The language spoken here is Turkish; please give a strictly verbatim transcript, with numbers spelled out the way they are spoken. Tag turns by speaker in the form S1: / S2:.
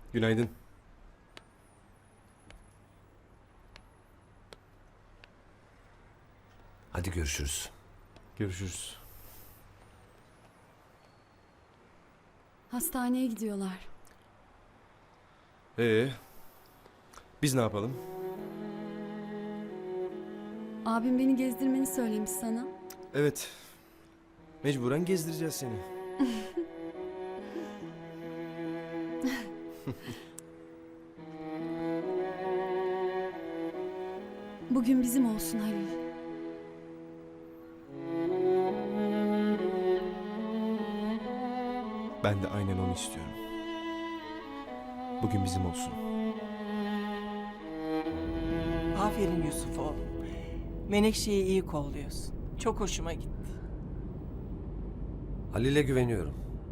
S1: Günaydın.
S2: Hadi görüşürüz.
S1: Görüşürüz.
S3: Hastaneye gidiyorlar.
S1: Ee, biz ne yapalım?
S3: Abim beni gezdirmeni söylemiş sana.
S1: Evet. Mecburen gezdireceğiz seni.
S3: Bugün bizim olsun Halil.
S1: Ben de aynen onu istiyorum. Bugün bizim olsun.
S4: Aferin Yusuf oğlum. Menekşe'yi iyi kolluyorsun. Çok hoşuma gitti.
S2: Halil'e güveniyorum.